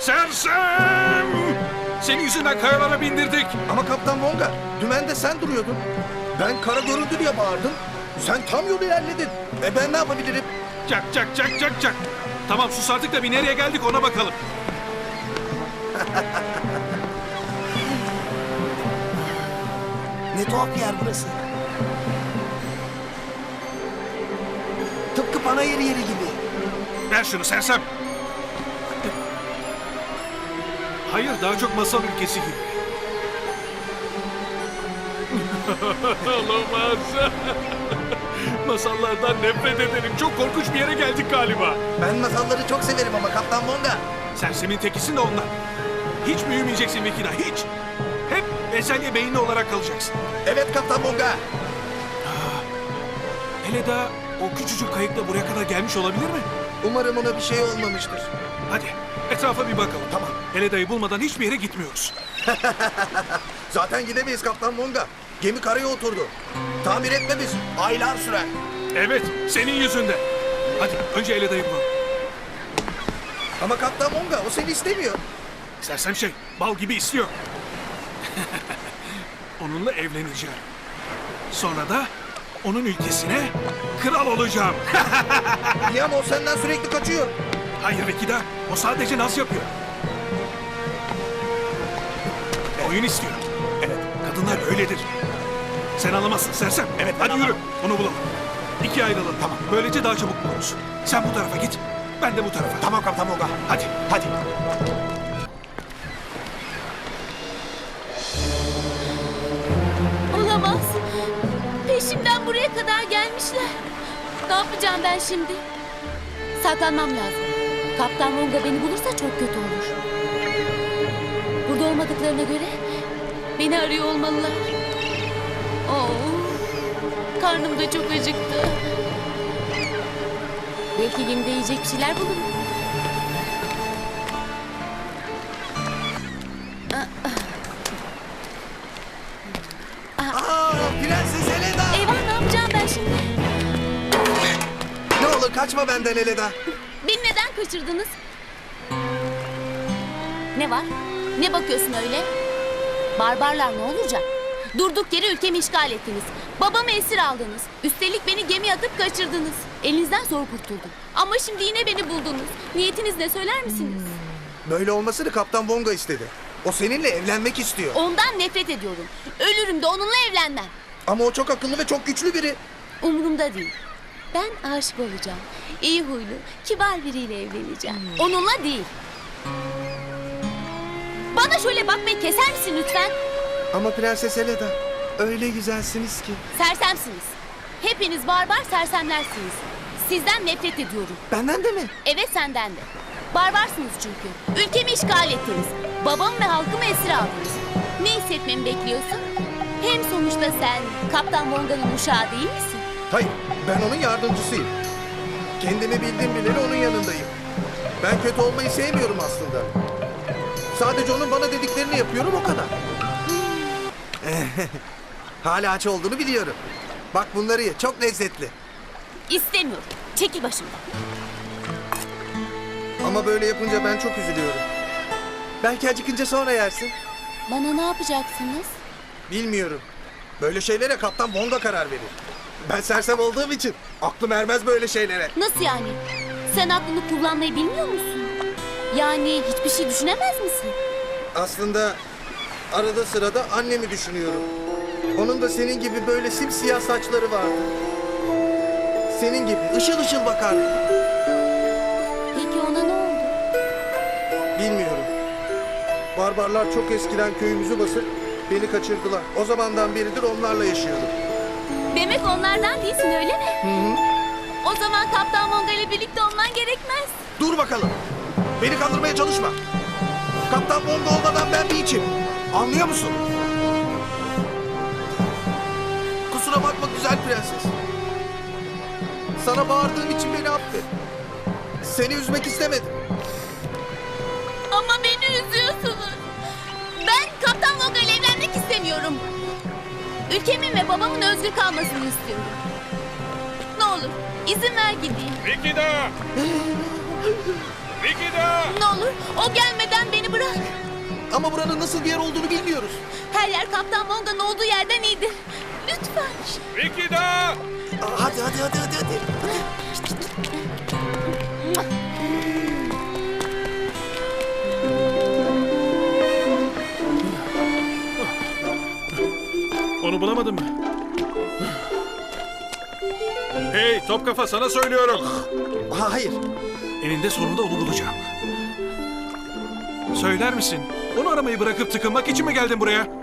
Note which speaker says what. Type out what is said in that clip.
Speaker 1: Sersem! Senin yüzünden kayalara bindirdik.
Speaker 2: Ama Kaptan Vonga, dümende sen duruyordun. Ben kara göründü diye bağırdım. Sen tam yolu ilerledin. Ben ne yapabilirim?
Speaker 1: Çak çak çak çak çak. Tamam sus artık da bir nereye geldik ona bakalım.
Speaker 2: Ne tuhaf bir yer burası. Tıpkı panayır yeri gibi.
Speaker 1: Ver şunu Sersem. Hayır daha çok masal ülkesi gibi. Olamaz. Masallardan nefret ederim. Çok korkunç bir yere geldik galiba.
Speaker 2: Ben masalları çok severim ama Kaptan Vonga.
Speaker 1: Sersemin tekisin de ondan. Hiç büyümeyeceksin Vekina, hiç. Hep bezelye beyinli olarak kalacaksın.
Speaker 2: Evet Kaptan Vonga.
Speaker 1: Hele daha o küçücük kayıkla buraya kadar gelmiş olabilir mi?
Speaker 2: Umarım ona bir şey olmamıştır.
Speaker 1: Hadi etrafa bir bakalım.
Speaker 2: Tamam.
Speaker 1: Heleda'yı bulmadan hiçbir yere gitmiyoruz.
Speaker 2: Zaten gidemeyiz Kaptan Vonga. Gemi karaya oturdu. Tamir etmemiz aylar sürer.
Speaker 1: Evet, senin yüzünden. Hadi önce Heleda'yı bulalım.
Speaker 2: Ama Kaptan Vonga o seni istemiyor.
Speaker 1: Sersem şey, bal gibi istiyor. Onunla evleneceğim. Sonra da onun ülkesine kral olacağım.
Speaker 2: İyi ama o senden sürekli kaçıyor.
Speaker 1: Hayır Vekida, o sadece naz yapıyor. Oyun istiyor. Evet, kadınlar öyledir. Sen anlamazsın Sersem.
Speaker 2: Evet,
Speaker 1: hadi
Speaker 2: ben
Speaker 1: yürü, onu bulalım. İkiye ayrılalım. Tamam. Böylece daha çabuk buluruz. Sen bu tarafa git, ben de bu tarafa.
Speaker 2: Tamam Kaptan Vonga.
Speaker 1: Hadi.
Speaker 2: Hadi.
Speaker 3: Olamaz. Peşimden buraya kadar gelmişler. Ne yapacağım ben şimdi? Saklanmam lazım. Kaptan Vonga beni bulursa çok kötü olur. Burada olmadıklarına göre beni arıyor olmalılar. Oo, karnım da çok acıktı. Belki gemide yiyecek bir şeyler bulurum.
Speaker 2: Prenses Helena.
Speaker 3: Eyvah, ne yapacağım ben şimdi?
Speaker 2: Ne olur kaçma benden Helena.
Speaker 3: Beni neden kaçırdınız? Ne var? Ne bakıyorsun öyle? Barbarlar ne olacak? Durduk yere ülkemi işgal ettiniz. Babamı esir aldınız. Üstelik beni gemiye atıp kaçırdınız. Elinizden zor kurtuldum. Ama şimdi yine beni buldunuz. Niyetiniz ne söyler misiniz?
Speaker 2: Böyle olmasını Kaptan Vonga istedi. O seninle evlenmek istiyor.
Speaker 3: Ondan nefret ediyorum. Ölürüm de onunla evlenmem.
Speaker 2: Ama o çok akıllı ve çok güçlü biri.
Speaker 3: Umurumda değil. Ben aşık olacağım. İyi huylu, kibar biriyle evleneceğim. Onunla değil. Bana şöyle bakmayı keser misin lütfen?
Speaker 2: Ama Prenses Helena öyle güzelsiniz ki.
Speaker 3: Sersemsiniz. Hepiniz barbar sersemlersiniz. Sizden nefret ediyorum.
Speaker 2: Benden de mi?
Speaker 3: Evet, senden de. Barbarsınız çünkü. Ülkemi işgal ettiniz. Babamı ve halkımı esir aldınız. Ne hissetmemi bekliyorsun? Hem sonuçta sen Kaptan Vonga'nın uşağı değil misin?
Speaker 2: Hayır, ben onun yardımcısıyım. Kendimi bildim bileli onun yanındayım. Ben kötü olmayı sevmiyorum aslında. Sadece onun bana dediklerini yapıyorum o kadar. Hala aç olduğunu biliyorum. Bak bunları ye, çok lezzetli.
Speaker 3: İstemiyorum. Çekil başımdan.
Speaker 2: Ama böyle yapınca ben çok üzülüyorum. Belki acıkınca sonra yersin.
Speaker 3: Bana ne yapacaksınız?
Speaker 2: Bilmiyorum. Böyle şeylere Kaptan Vonga karar verir. Ben sersem olduğum için aklım ermez böyle şeylere.
Speaker 3: Nasıl yani? Sen aklını kullanmayı bilmiyor musun? Yani hiçbir şey düşünemez misin?
Speaker 2: Aslında arada sırada annemi düşünüyorum. Onun da senin gibi böyle simsiyah saçları vardı. Senin gibi ışıl ışıl bakardı.
Speaker 3: Peki ona ne oldu?
Speaker 2: Bilmiyorum. Barbarlar çok eskiden köyümüzü basıp beni kaçırdılar. O zamandan beridir onlarla yaşıyorum.
Speaker 3: Demek onlardan değilsin, öyle mi?
Speaker 2: Hı hı.
Speaker 3: O zaman Kaptan Vonga ile birlikte olman gerekmez.
Speaker 2: Dur bakalım. Beni kandırmaya çalışma. Kaptan Vonga olmadan ben bir içim. Anlıyor musun? Kusura bakma güzel prenses. Sana bağırdığım için beni affet. Seni üzmek istemedim.
Speaker 3: Ama beni üzüyorsunuz. Ben Kaptan Vonga ile evlenmek istemiyorum. Ülkemin ve babamın özgür kalmasını istiyorum. Ne olur izin ver gideyim.
Speaker 1: Vekida! Vikida!
Speaker 3: Ne olur o gelmeden beni bırak.
Speaker 2: Ama buranın nasıl bir yer olduğunu bilmiyoruz.
Speaker 3: Her yer Kaptan Vonga'nın olduğu yerden iyidir. Lütfen.
Speaker 1: Vikida!
Speaker 2: Hadi.
Speaker 1: Onu bulamadın mı? Hey top kafa, sana söylüyorum.
Speaker 2: Hayır.
Speaker 1: Eninde sonunda onu bulacağım. Söyler misin? Onu aramayı bırakıp tıkınmak için mi geldin buraya?